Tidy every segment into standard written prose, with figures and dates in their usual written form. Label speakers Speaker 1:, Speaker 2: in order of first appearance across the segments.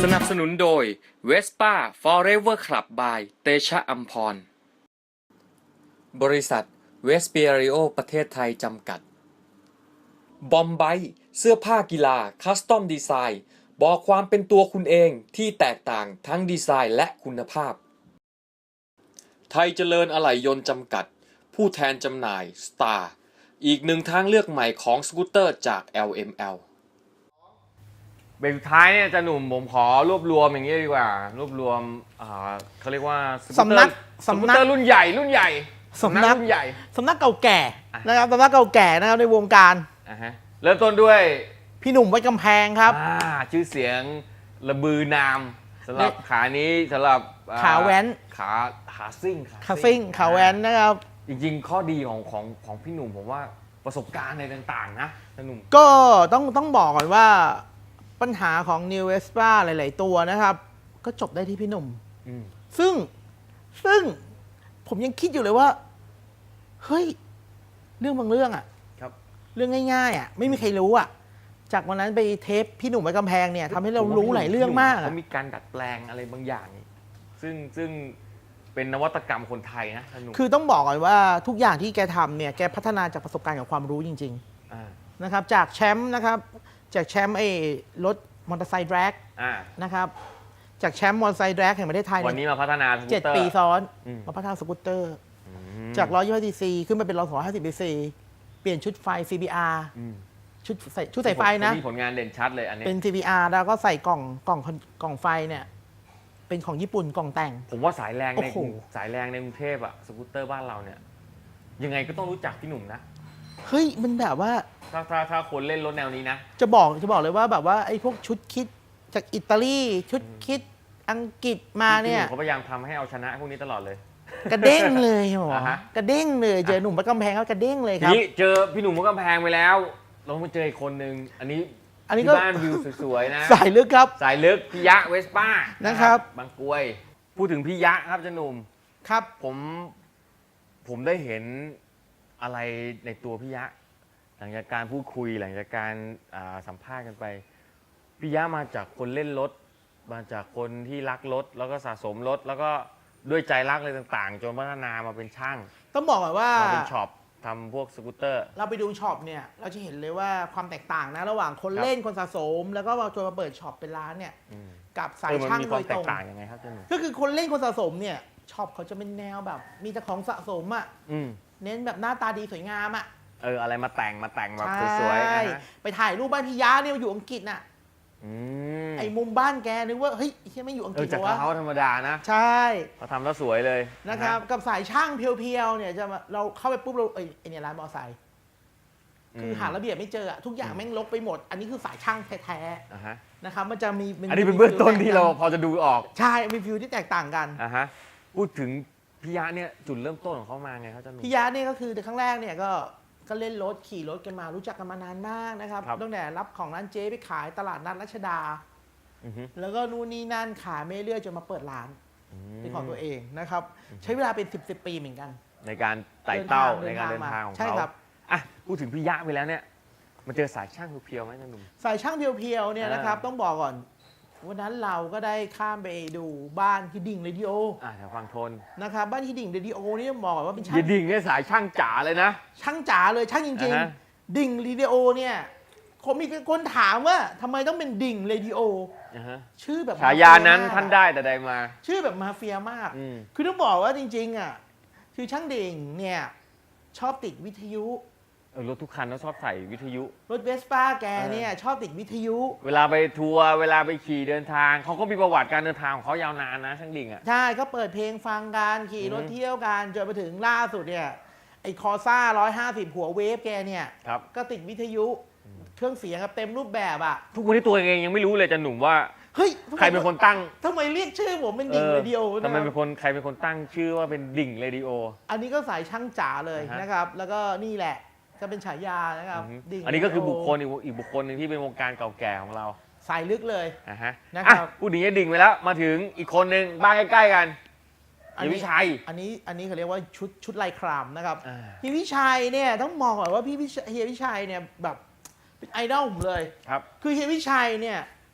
Speaker 1: สนับสนุนโดย Vespa Forever Club by เตชะอัมพรบริษัทเวสเปียริโอประเทศไทยจำกัดบอมไบเสื้อผ้ากีฬาคัสตอมดีไซน์บอกความเป็นตัวคุณเองที่แตกต่างทั้งดีไซน์และคุณภาพไทยเจริญอะไหล่ยนต์จำกัดผู้แทนจำหน่าย Star อีกหนึ่งทางเลือกใหม่ของสกูตเตอร์จาก LML
Speaker 2: เบรกสุดท้ายเนี่ยจะหนุ่มผมขอรวบรวมอย่างนี้ดีกว่ารวบรวมเขาเรียกว่าสกูตเตอร์รุ่นใหญ่สำนักรุ่นใหญ่
Speaker 3: สำนักเก่าแก่นะครับสำนักเก่าแก่นะครับในวงการ
Speaker 2: เริ่มต้นด้วย
Speaker 3: พี่หนุ่มไว้กำแพงครับ
Speaker 2: ชื่อเสียงระบือนามสำหรับขานี้สำหรับ
Speaker 3: ขาแว้น
Speaker 2: ขาซิ่ง
Speaker 3: ขาแว้นนะครับ
Speaker 2: จริงๆข้อดีของพี่หนุ่มผมว่าประสบการณ์ในต่างๆนะหนุ่ม
Speaker 3: ก็ต้องบอกก่อนว่าปัญหาของ New Vespa หลายๆตัวนะครับก็จบได้ที่พี่หนุ่มซึ่งผมยังคิดอยู่เลยว่าเฮ้ยเรื่องบางเรื่องอะเรื่องง่ายๆอะไม่มีใครรู้อะจากวันนั้นไปเทปพี่หนุ่มไว้กำแพงเนี่ยทำให้เรารู้หลายเรื่องมาก
Speaker 2: เขามีการดัดแปลงอะไรบางอย่างซึ่งเป็นนวัตกรรมคนไทยนะ
Speaker 3: คือต้องบอกก่อนว่าทุกอย่างที่แกทำเนี่ยแกพัฒนาจากประสบการณ์กับความรู้จริงๆนะครับจากแชมป์นะครับจากแชมป์รถมอเตอร์ไซค์แดร็กนะครับจากแชมป์มอเตอร์ไซค์แดร็กแห่งประเทศไทย
Speaker 2: วันนี้มาพัฒนา
Speaker 3: 7 ปีซ้อนมาพัฒนาสกูตเตอร์จาก125 cc ขึ้นมาเป็น150 cc เปลี่ยนชุดไฟ CBR ชุดใส่ไฟนะ
Speaker 2: มีผลงานเด่นชัดเลยอันนี้
Speaker 3: เป็น CBR แล้วก็ใส่กล่องไฟเนี่ยเป็นของญี่ปุ่นกล่องแต่ง
Speaker 2: ผมว่าสายแรงในกรุงเทพอะสกูตเตอร์บ้านเราเนี่ยยังไงก็ต้องรู้จักพี่หนุ่มนะ
Speaker 3: เฮ้ยมันแบบว่า
Speaker 2: ถ้าคนเล่นรถแนวนี้นะ
Speaker 3: จะบอกเลยว่าแบบว่าไอ้พวกชุดคิดจากอิตาลีชุดคิดอังกฤษมาเนี่ย
Speaker 2: เขาพยายามทำให้เอาชนะพวกนี้ตลอดเลย
Speaker 3: กระเด้งเลยหรอกระเด้งเลยเจอหนุ่มวัดกำแพงก็กระเด้งเลยครับ
Speaker 2: นี่เจอพี่หนุ่มวัดกำแพงไปแล้วเรามาเจออีกคนนึงอันนี้ก็บ้านวิวสวยๆนะ
Speaker 3: สายลึกครับ
Speaker 2: สายลึกพี่ยะเวสป้า
Speaker 3: นะครับ
Speaker 2: บางกรวยพูดถึงพี่ยะครับเจ้าหนุ่ม
Speaker 3: ครับ
Speaker 2: ผมได้เห็นอะไรในตัวพี่ยะหลังจากการพูดคุยหลังจากการสัมภาษณ์กันไปพี่ยะมาจากคนเล่นรถมาจากคนที่รักรถแล้วก็สะสมรถแล้วก็ด้วยใจรักอะไรต่างๆจนพัฒนามาเป็นช่าง
Speaker 3: ต้องบอกก่อนว่า
Speaker 2: มาเป็นช็อปทำพวกสกูตเตอร์
Speaker 3: เราไปดูช็อปเนี่ยเราจะเห็นเลยว่าความแตกต่างนะระหว่างคนเล่นคนสะสมแล้วก็จนมาเปิดช็อปเป็นร้านเนี่ยกับสายช่างโดยตรงก็คือคนเล่นคนสะสมเนี่ยช็อปเขาจะเป็นแนวแบบมีแต่ของสะสมอ่ะเน้นแบบหน้าตาดีสวยงามอ่ะ
Speaker 2: อะไรมาแต่งแบบสวย
Speaker 3: ๆไปถ่ายรูปบ้านพี่ยะเนี่ยอยู่อังกฤษน่ะไอ้มุมบ้านแกนึกว่าเฮ้ยใช่ไม่อยู่อังกฤษ
Speaker 2: จากเขาธรรมดานะ
Speaker 3: ใช่
Speaker 2: เขาทำแล้วสวยเลย
Speaker 3: นะครับกับสายช่างเพียวๆเนี่ยจะเราเข้าไปปุ๊บเราไอเนี่ยร้านมอไซค์คือหาระเบียบไม่เจอทุกอย่างแม่งลกไปหมดอันนี้คือสายช่างแท้ๆนะครับมันจะมี
Speaker 2: อันนี้เป็นเบื้องต้นที่เราพอจะดูออก
Speaker 3: ใช่มีฟิวที่แตกต่างกัน
Speaker 2: พูดถึงพี่ยะเนี่ยจุดเริ่มต้นของเขามาไงครับอาจารย์
Speaker 3: พี่ยะเนี่ยก็คือครั้งแรกเนี่ยก็เล่นรถขี่รถกันมารู้จักกันมานานมากนะครับตั้งแต่รับของร้านเจ๊ไปขายตลาดนัดรัชดาแล้วก็นู่นนี่นั่นขายไม่เรื่อยจนมาเปิดร้านเป็นของตัวเองนะครับใช้เวลาเป็น10 ปีเหมือนกัน
Speaker 2: ในการไต่เต้าในการเดินทางของเขาใช่ครับพูดถึงพี่ยะไปแล้วเนี่ยมันเจอสายช่างเพียวๆไหมท่านหนุ่ม
Speaker 3: สายช่างเพียวๆเนี่ยนะครับต้องบอกก่อนวันนั้นเราก็ได้ข้ามไปดูบ้านที่ดิ่งเรดิโอ
Speaker 2: แถวฝั่งทน
Speaker 3: นะครับบ้านที่ดิ่งเรดิโอนี่บอกว่าเป็นช่าง
Speaker 2: ดิ่งเนี่ยสายช่างจ๋าเลยนะ
Speaker 3: ช่างจ๋าเลยช่างจริงๆดิ่งเรดิโอเนี่ยผมมีคนถามว่าทำไมต้องเป็นดิ่งเรดิโอชื่อแบบ
Speaker 2: ฉายานั้นท่านได้แต่ใดมา
Speaker 3: ชื่อแบบมาเฟียมากคือต้องบอกว่าจริงๆคือช่างดิ่งเนี่ยชอบติดวิทยุ
Speaker 2: รถทุกคันต้องชอบใส่วิทยุ
Speaker 3: รถเวสป้าแกเนี่ยชอบติดวิทยุ
Speaker 2: เวลาไปทัวร์เวลาไปขี่เดินทางเขาก็มีประวัติการเดินทางของเขายาวนานนะช่างดิ่ง
Speaker 3: ใช่ก็เปิดเพลงฟังกันขี่รถเที่ยวกันจนไปถึงล่าสุดเนี่ยไอ้คอซ่า150หัวเวฟแกเนี่ยก็ติดวิทยุเครื่องเสียงเต็มรูปแบบ
Speaker 2: ทุกวันนี้ตัวเองยังไม่รู้เลยจะหนุ่มว่า
Speaker 3: เฮ้ย
Speaker 2: ใครเป็นคนตั้ง
Speaker 3: ทำไมเรียกชื่อผมเป็นดิ่งเรดิโอ
Speaker 2: ทำไมใครเป็นคนตั้งชื่อว่าเป็นดิ่งเรดิโอ
Speaker 3: อันนี้ก็สายช่างจ๋าเลยนะครับแล้วก็นี่แหละจะเป็นฉายานะครับ
Speaker 2: อันนี้ก็คือบุคคลอีกบุคคลหนึ่งที่เป็นวงการเก่าแก่ของเรา
Speaker 3: สายลึกเลย
Speaker 2: นะครับพูดถึงดิ่งไปแล้วมาถึงอีกคนหนึ่งบ้านใกล้ๆกันเฮียวิชัย
Speaker 3: อันนี้เขาเรียกว่าชุดลายครามนะครับเฮียวิชัยเนี่ยต้องมองก่อนว่าเฮียวิชัยเนี่ยแบบเป็นไอดอลผมเลย
Speaker 2: ครับ
Speaker 3: คือเฮียวิชัยเนี่ย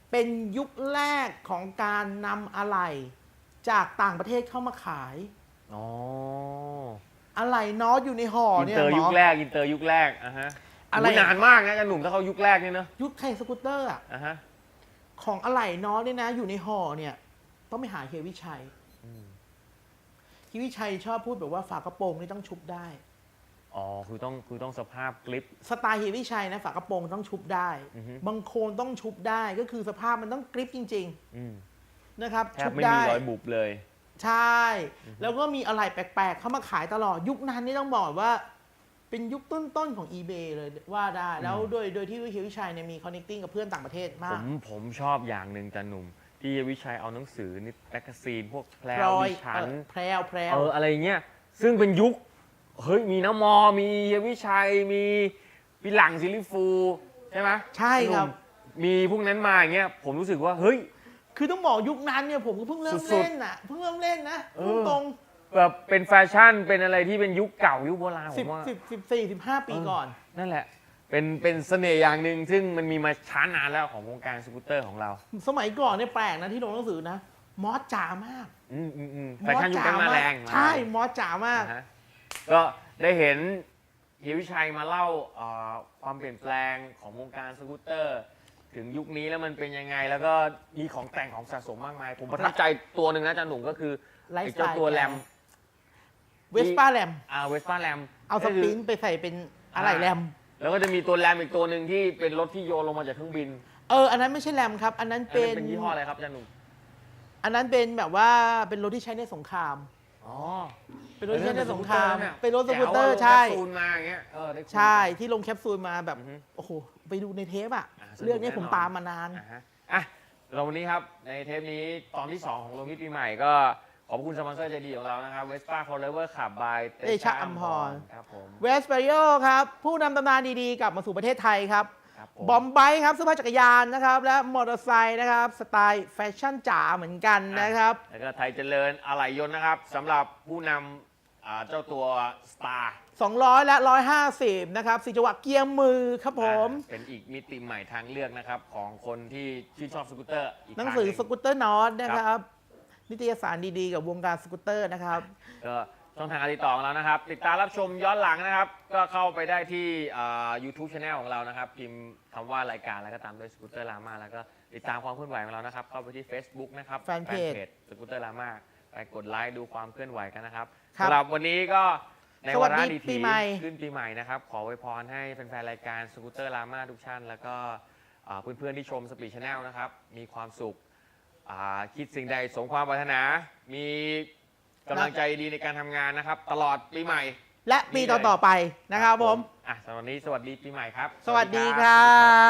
Speaker 3: เป็นยุคแรกของการนำอะไหล่จากต่างประเทศเข้ามาขาย
Speaker 2: อ๋อ
Speaker 3: อะไหล่น็อตอยู่ในห่อ
Speaker 2: อิน
Speaker 3: เนี่ย
Speaker 2: เตอร์
Speaker 3: หม
Speaker 2: ยุ
Speaker 3: อ
Speaker 2: คแรกอินเตอร์ยุคแรกอ่ะฮะ
Speaker 3: อะไร
Speaker 2: นานมากนะอาจารย์หนุ่มถ้าเขายุคแรกเนี่ยเนอะ
Speaker 3: ยุคไทยสกูตเตอร์อะ
Speaker 2: อ่ะฮะ
Speaker 3: ของอะไหล่น็อตเนี่ยนะอยู่ในห่อเนี่ยต้องไปหาเฮียวิชัยเฮียวิชัยชอบพูดแบบว่าฝากระโปรงนี่ต้องชุบได้
Speaker 2: อ๋อคือต้องสภาพกริป
Speaker 3: สไตล์เฮียวิชัยนะฝากระโปรงต้องชุบได้
Speaker 2: อือฮึ
Speaker 3: บางโคนต้องชุบได้ก็คือสภาพมันต้องกริปจริง
Speaker 2: อืม
Speaker 3: ๆนะครับ
Speaker 2: แท
Speaker 3: ชุ
Speaker 2: บบ ไม่
Speaker 3: ได้
Speaker 2: มีรอยบุบเลย
Speaker 3: ใช่ แล้วก็มีอะไรแปลกๆ เข้ามาขายตลอด ยุคนั้นนี่ต้องบอกว่า เป็นยุคต้นๆ ของ eBay เลยว่าได้ แล้วโดยที่เฮียวิชัยเนี่ยมี connecting กับเพื่อนต่างประเทศ
Speaker 2: ผม
Speaker 3: าก
Speaker 2: ผมชอบอย่างหนึ่งอาจารย์หนุ่ม ที่วิชัยเอาหนังสือนิแมกกาซีนพวกแพร
Speaker 3: พล
Speaker 2: ว
Speaker 3: อย
Speaker 2: ดิฉัน
Speaker 3: แพรวแพรว
Speaker 2: อะไรเงี้ยซึ่งเป็นยุค เฮ้ย มีน้ำมอ มีเฮียวิชัย มีพี่หลังซิลิฟู ใช่ไหม
Speaker 3: ใช่ครับ
Speaker 2: หนุ่มมีพวกนั้นมาอย่างเงี้ยผมรู้สึกว่า เฮ้ย
Speaker 3: คือต้องบอกยุคนั้นเนี่ยผมก็เพิ่งเริ่ม
Speaker 2: สุดๆ
Speaker 3: เล่นน่ะเพิ่งเริ่มเล่นนะพูดตรง
Speaker 2: แบบเป็นแฟชั่นเป็นอะไรที่เป็นยุคเก่ายุคโบราณผ
Speaker 3: 10
Speaker 2: มว่า
Speaker 3: 14 15 ปีก่อน
Speaker 2: นั่นแหละ เป็นเสน่ห์อย่างหนึ่งซึ่งมันมีมาช้านานแล้วของวงการสกูตเตอร์ของเรา
Speaker 3: สมัยก่อนเนี่ยแปลกนะที่ลงหนังสือนะ มอสจ๋ามาก
Speaker 2: แฟชั่นยุคนั้นมาแรง
Speaker 3: ใช่ มอสจ๋ามาก
Speaker 2: นะฮะก็ได้เห็นเฮียวิชัยมาเล่าความเปลี่ยนแปลงของวงการสกูตเตอร์ ถึงยุคนี้แล้วมันเป็นยังไง แล้วก็มีของแต่งของสะสมมากมาย ผมประทับใจตัวหนึ่งนะอาจารย์หนุ่มก็คือ
Speaker 3: ไลฟ์
Speaker 2: ไอ้
Speaker 3: สไตล์
Speaker 2: เจ้าตัวแรม
Speaker 3: เวสป้าแรม
Speaker 2: เวสป้าแรม
Speaker 3: เอาสปรินต์ไปใส่เป็นอะไรแรม
Speaker 2: แล้วก็จะมีตัวแรมอีกตัวหนึ่งที่เป็นรถที่โยนลงมาจากเครื่องบิน
Speaker 3: อันนั้นไม่ใช่แรมครับ อันนั้น
Speaker 2: อัน
Speaker 3: เป็
Speaker 2: นั้น นเป็นยี่ห้ออะไรครับอาจารย์หนุ่ม
Speaker 3: อันนั้นเป็นแบบว่าเป็นรถที่ใช้ในสงคราม
Speaker 2: อ๋อ
Speaker 3: เป็นรถที่ใช้ในสงคราม
Speaker 2: เนี่ย
Speaker 3: เป็นรถสกูตเตอร์
Speaker 2: แจ๋วะ
Speaker 3: ใช่
Speaker 2: ลงแคปซูลมาอย่างเงี้ยได้คุย
Speaker 3: ใช่ที่ลงแคปซูลมาแบบ
Speaker 2: อือฮึ
Speaker 3: โอ้โห ไปดูในเทปอะ
Speaker 2: สนุก
Speaker 3: เรื่องนี้ผม
Speaker 2: แน่นอน
Speaker 3: ตามมานาน
Speaker 2: อ่ะฮะอ่ะเราวันนี้ครับ ในเทปนี้ตอนที่ 2 ของโรงพิธีปีใหม่ก็ขอบคุณสปอนเซอร์ใจดีของเรานะครับ Vespa Forever Club by
Speaker 3: เตชะอัมพร
Speaker 2: ครับผม
Speaker 3: เวสเปริโอครับ ผู้นำตำนานดีๆ กลับมาสู่ประเทศไทยครับ
Speaker 2: ครับผม
Speaker 3: บอมไบค์ครับเสื้อผ้าจักรยานนะครับ และมอเตอร์ไซค์นะครับ สไตล์แฟชั่นจ๋าเหมือนกันนะครับ
Speaker 2: แล้วก็ไทยเจริญอะไหล่ยนต์นะครับสำหรับผู้นำเจ้าตัว Star
Speaker 3: 200 และ 150 นะครับ4จังหวะเกียร์มือครับผม
Speaker 2: เป็นอีกมิติใหม่ทางเลือกนะครับของคนที่ชื่นชอบสกูตเตอร์อีก
Speaker 3: หนังสือ
Speaker 2: ทา
Speaker 3: สกูตเตอร์นอตนะครับ นิตยสารดีๆ กับวงการสกูตเตอร์นะครับ
Speaker 2: ก็ช่องทางการติดต่อของเรานะครับ ติดตามรับชมย้อนหลังนะครับ ก็เข้าไปได้ที่YouTube Channel ของเรานะครับ พิมพ์คำว่ารายการแล้วก็ตามด้วยสกูตเตอร์ลาม่าแล้วก็ติดตามความเคลื่อนไหวของเรานะครับ เข้าไปที่ Facebook นะครับ
Speaker 3: แฟนเพจ
Speaker 2: สกูตเตอร์ลาม่าไปกดไลค์ดูความเคลื่อนไหวกันนะครับ
Speaker 3: ครับ
Speaker 2: สำหรับวันนี้ก็ในวาระ
Speaker 3: สวัสดี
Speaker 2: ดี
Speaker 3: ปี
Speaker 2: ที
Speaker 3: ใหม่
Speaker 2: ขึ้นปีใหม่นะครับ ขออวยพรให้แฟนๆรายการสกูตเตอร์ลาม่าทุกท่านแล้วก็เพื่อนๆที่ชมสปีดชาแนลนะครับมีความสุขคิดสิ่งใดสมความปรารถนา มีกำลังใจดีในการทำงานนะครับ ตลอดปีใหม่
Speaker 3: และปีต่อๆไปนะครับผม
Speaker 2: สำหรับวันนี้สวัสดีปีใหม่ครับ
Speaker 3: สวัสดีครับ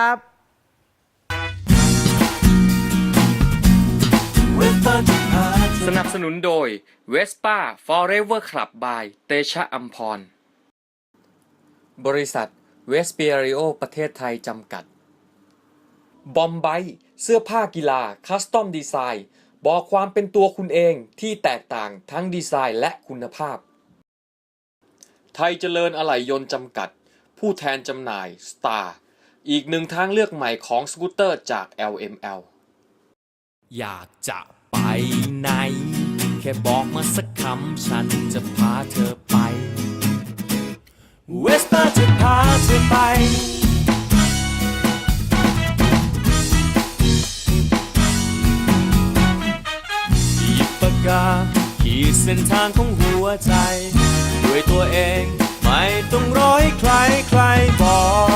Speaker 1: สนับสนุนโดย Vespa Forever Club by เตชะอัมพร บริษัทเวสเปียริโอประเทศไทยจำกัด บอมไบเสื้อผ้ากีฬาคัสตอมดีไซน์บอกความเป็นตัวคุณเองที่แตกต่างทั้งดีไซน์และคุณภาพ ไทยเจริญอะไหล่ยนต์จำกัด ผู้แทนจำหน่าย Star อีกหนึ่งทางเลือกใหม่ของสกูตเตอร์จาก LML
Speaker 4: อยากจะไปไหน แค่บอกมาสักคำฉันจะพาเธอไป เวสป้าจะพาเธอไป หยิบปากกาขีดเส้นทางของหัวใจ ด้วยตัวเองไม่ต้องรอให้ใครบอก